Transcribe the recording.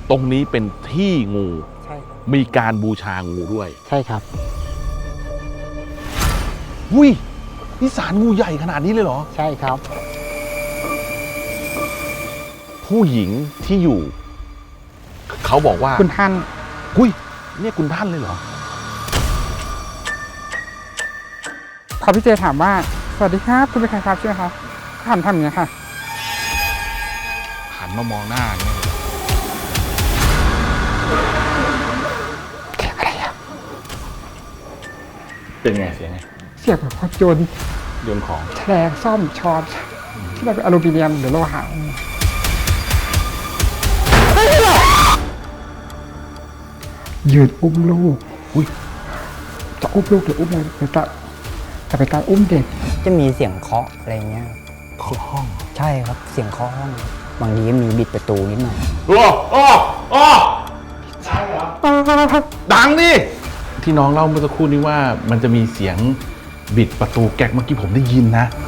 ตรงนี้เป็นที่งูใช่ครับมีการบูชางูด้วยใช่ครับอุ้ยนี่ศาลงูใหญ่ขนาดนี้เลยเหรอใช่ครับผู้หญิงที่อยู่ เขาบอกว่าคุณท่านอุ้ยเนี่ยคุณท่านเลยเหรอพอพี่เจถามว่าสวัสดีครับคุณเป็นใครครับใช่ไหมครับท่านทำอย่างนี้ค่ะหันมามองหน้าเนี่ยอะไรอะเป็นไงเสียงไงเสียงแบบพอโยนโยนของแฉลงซ่อมช้อนที่มันเป็นอลูมิเนียมหรือโลหะยืนอุ้มลูกอุ้ยจะอุ้มลูกหรืออุ้มอะไรหรือจะเป็นการอุ้มเด็กจะมีเสียงเคาะอะไรเงี้ยเคาะห้องใช่ครับเสียงเคาะห้องบางทีก็มีบิดประตูนิดหน่อยโอ้โอ้โอ้ดังดิที่น้องเล่าเมื่อสักครู่นี้ว่ามันจะมีเสียงบิดประตูแก๊กเมื่อกี้ผมได้ยินนะ